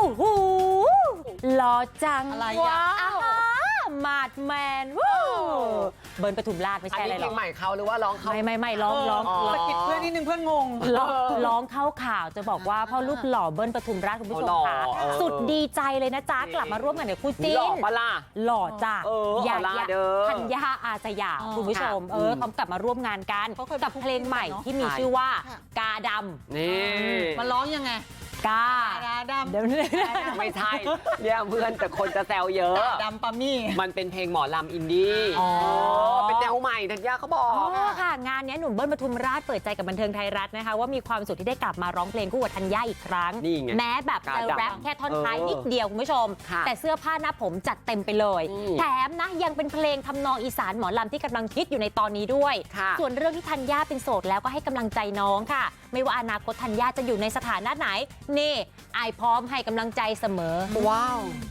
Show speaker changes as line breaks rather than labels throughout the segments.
อ้โหหล่อจัง
อะไร
ว้า
อ่ะ
วมาดแมนวู้เบิร์นปทุมราชไม่
อัน
ใช่อะไร
นี้
ห
เพ
ร
ล
อก
งใหม่เขาหรือว่าร้องเขา
ไม่ร้อง
สะกิดเพื่อนนิดนึงเพื่อนงง
ร้องเข้าข่าวจะบอกว่าพ่อลูกหล่อเบิ้ลปทุมราชคุณผู้ชมค่ะสุดดีใจเลยนะจ๊ะกลับมาร่วมกันกับคู่จิ้
หล่อน ปะล่ะ
หล่อจ้ะ
อย่าเด้อ
ธัญญาอาสยามคุณผู้ชมเขากลับมาร่วมงานกัน
เขาเคย
กับเพลงใหม่ที่มี
ใช่
ชื่อว่า
ค่ะ
กาดำ
นี่
มาร้องยังไง
กา
ดาดำ
เดี๋ยวนี้
ไม่ใช่เนี่ยเพื่อนแต่คนจะแซวเยอะ
ดำปามี่
มันเป็นเพลงหมอลำอินดี้
อ๋อ
เป็นแนวใหม่ธัญญาเขาบอก
ค่ะงานนี้หนุ่มเบิ้ลปทุมราชเปิดใจกับบันเทิงไทยรัฐนะคะว่ามีความสุขที่ได้กลับมาร้องเพลงคู่กับธัญญาอีกครั้ง
นี่ไง
แม้แบบจะ
กาดำ
แรปแค่ท่อนท้ายนิดเดียวคุณผู้ชม
ค่ะ
แต่เสื้อผ้าหน้าผมจัดเต็มไปเลย
อืม
แถมนะยังเป็นเพลงทำนองอีสานหมอลำที่กำลังฮิตอยู่ในตอนนี้ด้วย
ค่ะ
ส่วนเรื่องที่ธัญญาเป็นโสดแล้วก็ให้กำลังใจน้องค่ะ ไม่ว่าอนาคตธัญญาจะอยู่ในสถานะไหนนี่ไอายพร้อมให้กำลังใจเสมอ
ว้าว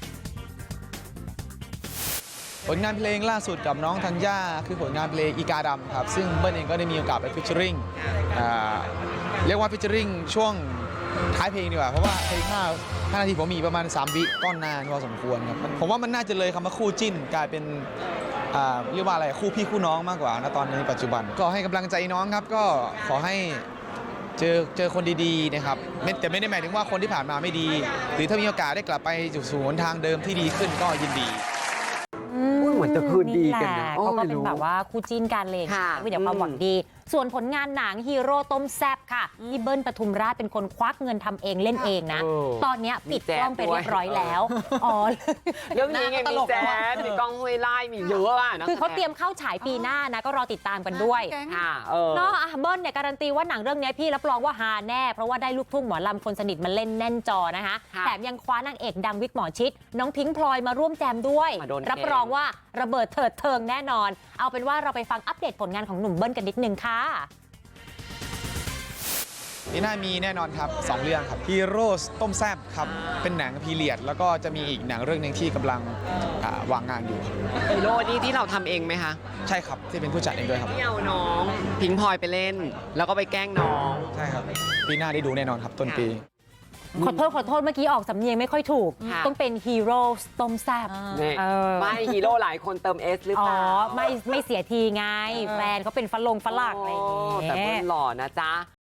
ผลงานเพลงล่าสุดกับน้องธัญญาคือผลงานเพลงอีกาดำครับซึ่งเบิ้ลเองก็ได้มีโอกาสไปฟิชเชอริงเรียกว่าฟิชเชอริงช่วงท้ายเพลงดีกว่าเพราะว่าเพลง5นาทีผมมีประมาณ3วิก็นานพอสมควรครับผมว่ามันน่าจะเลยคำว่าคู่จิ้นกลายเป็นเรียกว่าอะไรคู่พี่คู่น้องมากกว่าณตอนนี้ปัจจุบันก็ให้กำลังใจน้องครับก็ขอให้เจอคนดีๆนะครับแต่ไม่ได้หมายถึงว่าคนที่ผ่านมาไม่ดี หรือถ้ามีโอกาสได้กลับไปสู่หนทางเดิมที่ดีขึ้นก็ยินดี
เหมือนจะคืนดีกันนะ
แหละ
โอ้
เขาก็
ไม่
เป็น
รู้
แบบว่าคู่จิ้นกันเลย
ค่ะ
วิดีโอความหวังดี ส่วนผลงานหนังฮีโร่ต้มแซบค่ะที่เบิ้ลปทุมราชเป็นคนควักเงินทำเองเล่นเองนะ ตอนเนี้ยปิดกล้องไปเรียบร้อยแล้วอ๋อ
เรื่องนี้ไง
ต
มี
ลก
แจ๊
มาก
ดมีกล้องห้วยไล่มีเยอะอะนะ
คือเขาเตรียมเข้าฉายปีหน้านะก็รอติดตามกันด้วย
แก๊ง
ค่ะ
เนาะเบิ้ลเนี่ยการันตีว่าหนังเรื่องนี้พี่รับรองว่าฮาแน่ เพราะว่าได้ลูกทุ่งหมอลำคนสนิทมาเล่นแน่นจอนะคะ
ค่ะ
แถมยังคว้านางเอกดังวิกหมอชิด น้องพิงค์พลอยมาร่วมแจมด้วย
มาโดน
รับรองว่าระเบิดเถิดเทิงแน่นอน เอาเป็นว่าเราไปฟังอัปเดตผลงานของหนุ่มเบิ้ลกันนิดนึงค่ะ
ปีหน้ามีแน่นอนครับ 2 เรื่องครับฮีโร่ต้มแซบครับ เป็นหนังพีเรียด แล้วก็จะมีอีกหนังเรื่องหนึ่งที่กำลังวางงานอยู่ครับ
ฮีโร่นี่ที่เราทำเองไหมคะ
ใช่ครับ ที่เป็นผู้จัดเองด้วยครับ
ที่เอาน้องพิงพลอยไปเล่น แล้วก็ไปแกล้งน้อง
ใช่ครับ ปีหน้าได้ดูแน่นอนครับ ต้นปี
ขอโทษเมื่อกี้ออกสำเนียงไม่ค่อยถูก
ค่ะ
ต้องเป็นฮีโร่ต้มแซบ
เนี่ย
เออ
ไม่ฮีโร่หลายคนเติมเอสหรือ
อ๋
เป
อ
ล่า
ไม่เสียทีไง แฟนเขาเป็นฝรั่งอะไรอย่าง
แต่
เงี้
เพื่
ย
อนหล่อนะจ๊ะ